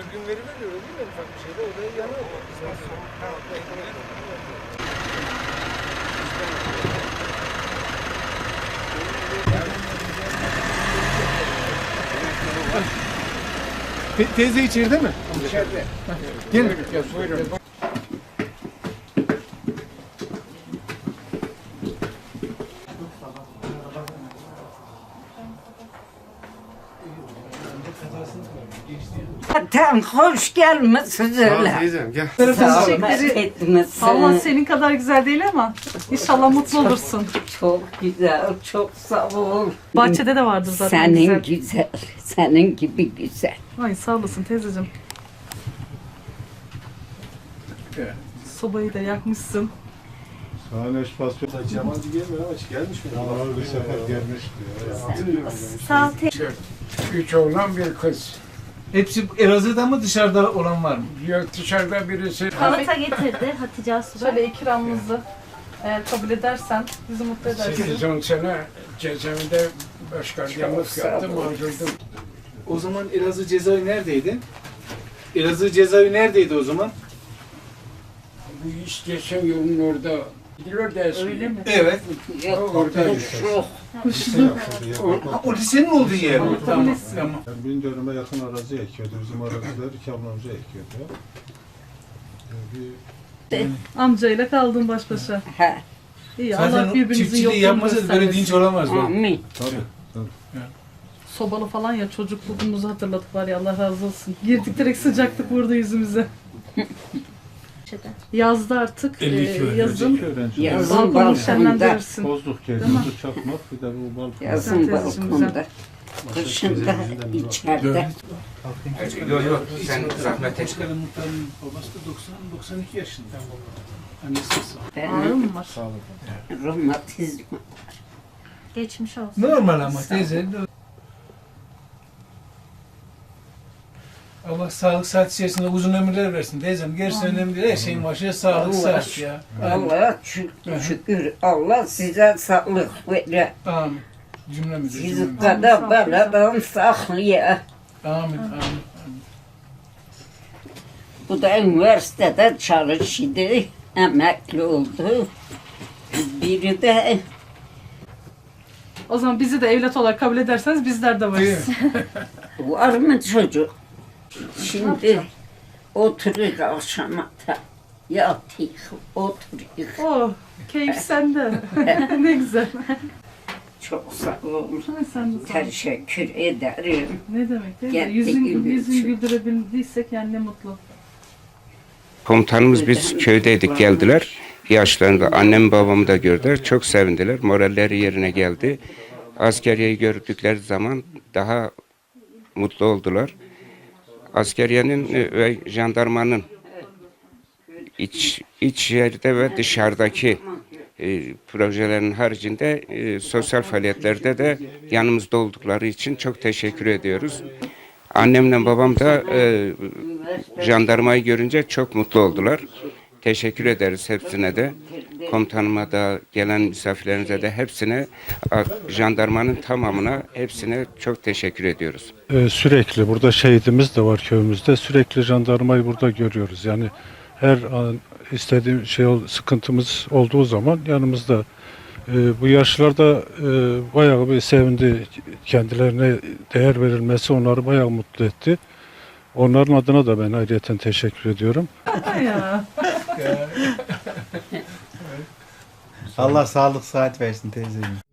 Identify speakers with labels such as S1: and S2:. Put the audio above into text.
S1: sürgün veri veriyor değil mi? Ufak bir şeyde o da yanıyor.
S2: Teyze içeride mi?
S1: İçeride.
S2: Gelin.
S1: Buyurun.
S3: Zaten hoş gelmişsiniz öyle.
S2: Teyzem gel.
S3: Zahmet etmişsin.
S4: Allah senin kadar güzel değil ama inşallah mutlu olursun.
S3: Çok güzel, çok sağ ol.
S4: Bahçede de vardır zaten
S3: Senin
S4: güzel.
S3: güzel, senin gibi güzel.
S4: Ay sağ olasın teyzeciğim. Sobayı da yakmışsın.
S2: Sahne pasyon. Cemal gelmiyor ama hiç gelmiş mi? Ama bir sefer gelmiş diyor.
S4: Sağ ol.
S1: 3 oğlan bir kız.
S2: Hepsi Elazığ'da mı dışarıda olan var mı?
S1: Yok dışarıda birisi.
S5: Salata getirdi Hatice Asubay.
S4: Şöyle ikramımızı eğer kabul edersen bizi mutlu edersin.
S1: 8-10 sene cezaevinde başgardiyanlık yaptım, mağdurdum.
S2: O zaman Elazığ cezaevi neredeydi? Elazığ cezaevi neredeydi o zaman?
S1: Bu iş geçen yolun orada. Gidiyor da eski.
S4: Öyle mi?
S2: Evet.
S1: Orada
S2: O lisenin olduğu yer mi? Tamam. Tamam.
S6: Yani bin dönüme yakın arazi ekiyordu. Bizim araziler iki ablamıza ekiyordu.
S4: Amcayla kaldın baş başa.
S3: He,
S4: İyi Allah
S2: Zaten
S4: birbirinizin
S2: çiftçiliği
S4: yokluğunu
S2: yapmasaydı böyle dinç
S4: göstermesin.
S2: olamaz bu.
S3: amin.
S6: Tabii.
S4: Sobalı falan ya çocukluğumuzu hatırladık var ya Allah razı olsun. Girdik direkt sıcaklık vurdu yüzümüze. Yazdı artık
S2: 52 öğrenci.
S4: yazın
S6: Öğrenci.
S3: Yazın
S4: balkonu
S3: balkonda,
S4: şenlendirirsin.
S6: Bozduk
S4: Değil mi?
S6: geliyordu çakmak bir de bu balkon.
S3: yazın
S4: Güzel, teyzeciğim,
S3: balkonda. Kışın da içeride.
S7: Yok sen zahmet et.
S2: Başkanın muhtarının babası da 92 yaşında. Annesi
S4: Ağrı
S3: Benim
S4: mı var?
S3: romatizma.
S5: Geçmiş olsun.
S2: normal ama teyze. Allah sağlık saat içerisinde uzun ömürler versin teyzem. Gerisi önemli değil. Her şeyin başı sağlık
S3: Allah
S2: saat ya.
S3: Allah şükür. Allah size sağlık verir.
S2: Amin. Cümlemize
S3: Sizi
S2: cümlemize.
S3: kadar beladan saklıyor.
S2: Amin. Amin.
S3: Bu da üniversitede çalıştı. Emekli oldu. Biri de
S4: O zaman bizi de evlat olarak kabul ederseniz bizler de varız.
S3: var mı çocuk? Şimdi oturuyor akşama da. Yatıyor, oturuyor.
S4: Oh, keyif sende. Ne güzel.
S3: Çok sağ olun.
S4: Sen de sağ ol.
S3: Teşekkür ederim.
S4: Ne demek değil mi?
S3: Geldi
S4: Yüzün
S3: gibi.
S4: güldürebildiysek yani ne mutlu.
S7: Komutanımız biz köydeydik geldiler. Yaşlarında annem babamı da gördüler. Çok sevindiler. Moralleri yerine geldi. Askeriyeyi gördükleri zaman daha mutlu oldular. Askeriyenin ve jandarmanın iç yerde ve dışarıdaki projelerin haricinde sosyal faaliyetlerde de yanımızda oldukları için çok teşekkür ediyoruz. Annemle babam da jandarmayı görünce çok mutlu oldular. Teşekkür ederiz hepsine de. Komutanıma da, gelen misafirlerimize de hepsine, jandarmanın tamamına hepsine çok teşekkür ediyoruz.
S6: Sürekli burada şehidimiz de var köyümüzde. Sürekli jandarmayı burada görüyoruz. Yani her an istediğim sıkıntımız olduğu zaman yanımızda. Bu yaşlarda bayağı bir sevindi. Kendilerine değer verilmesi onları bayağı mutlu etti. Onların adına da ben ayrıyeten teşekkür ediyorum.
S4: Ya.
S8: Allah sağlık saat versin teyzeciğim.